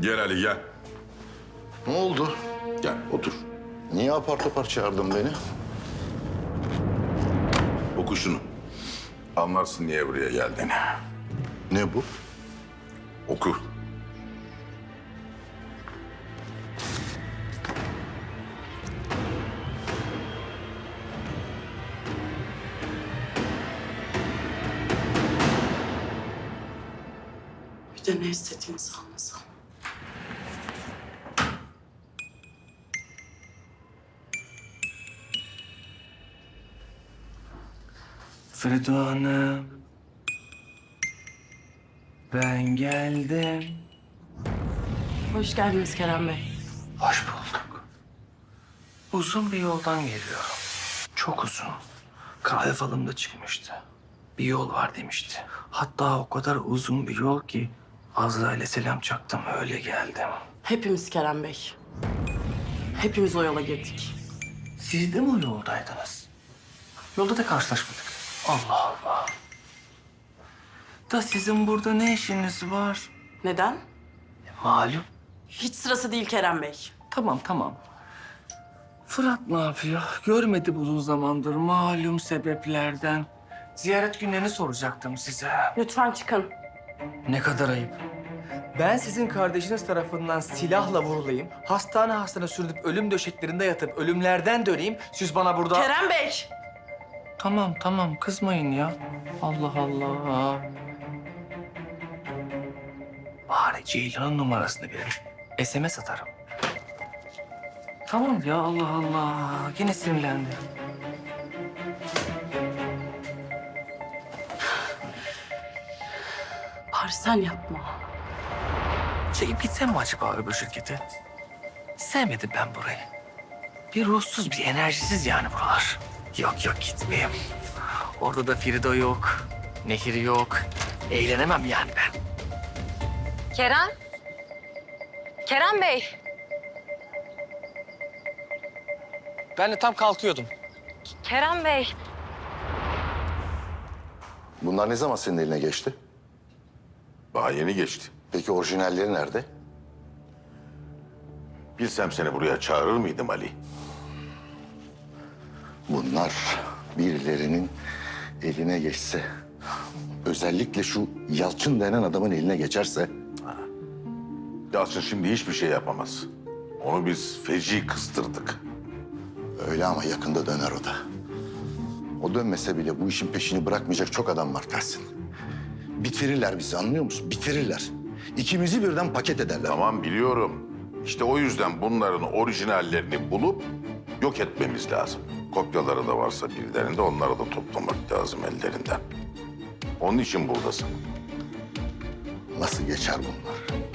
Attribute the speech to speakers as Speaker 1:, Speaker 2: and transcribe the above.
Speaker 1: Gel Ali gel.
Speaker 2: Ne oldu?
Speaker 1: Gel otur.
Speaker 2: Niye apar topar çağırdın beni?
Speaker 1: Oku şunu. Anlarsın niye buraya geldiğini.
Speaker 2: Ne bu?
Speaker 1: Oku.
Speaker 3: Bir de ne istediğinizi anlasam.
Speaker 4: Fredo Hanım. Ben geldim.
Speaker 3: Hoş geldiniz Kerem Bey.
Speaker 4: Hoş bulduk. Uzun bir yoldan geliyorum. Çok uzun. Kahve falımda çıkmıştı. Bir yol var demişti. Hatta o kadar uzun bir yol ki Azrail'e selam çaktım öyle geldim.
Speaker 3: Hepimiz Kerem Bey. Hepimiz o yola girdik.
Speaker 4: Siz de mi o yoldaydınız? Yolda da karşılaşmadık. Allah Allah. Da sizin burada ne işiniz var?
Speaker 3: Neden?
Speaker 4: Malum.
Speaker 3: Hiç sırası değil Kerem Bey.
Speaker 4: Tamam. Fırat ne yapıyor? Görmedi uzun zamandır malum sebeplerden. Ziyaret günlerini soracaktım size.
Speaker 3: Lütfen çıkın.
Speaker 4: Ne kadar ayıp. Ben sizin kardeşiniz tarafından silahla vurulayım, hastane sürülüp ölüm döşeklerinde yatıp ölümlerden döneyim. Siz bana burada...
Speaker 3: Kerem Bey!
Speaker 4: Tamam kızmayın ya. Allah Allah. Bari Ceylan'ın numarasını verin. SMS atarım. Tamam ya Allah Allah. Yine sinirlendi.
Speaker 3: Bari sen yapma.
Speaker 4: Çekip gitsem mi acaba öbür şirkete? Sevmedim ben burayı. Bir ruhsuz, bir enerjisiz yani buralar. Yok gitmeyeyim. Orada da Frida yok, Nehir yok. Eğlenemem yani ben.
Speaker 5: Kerem? Kerem Bey.
Speaker 4: Ben de tam kalkıyordum.
Speaker 5: Kerem Bey.
Speaker 2: Bunlar ne zaman senin eline geçti?
Speaker 1: Daha yeni geçti.
Speaker 2: Peki orijinalleri nerede?
Speaker 1: Bilsem seni buraya çağırır mıydım Ali?
Speaker 2: Bunlar birilerinin eline geçse, özellikle şu Yalçın denen adamın eline geçerse...
Speaker 1: Yalçın şimdi hiçbir şey yapamaz. Onu biz feci kıstırdık.
Speaker 2: Öyle ama yakında döner o da. O dönmese bile bu işin peşini bırakmayacak çok adam var Tahsin. Bitirirler bizi, anlıyor musun? Bitirirler. İkimizi birden paket ederler.
Speaker 1: Tamam biliyorum. İşte o yüzden bunların orijinallerini bulup yok etmemiz lazım. Kopyaları da varsa birilerinde onları da toplamak lazım ellerinden. Onun için buradasın.
Speaker 2: Nasıl geçer bunlar?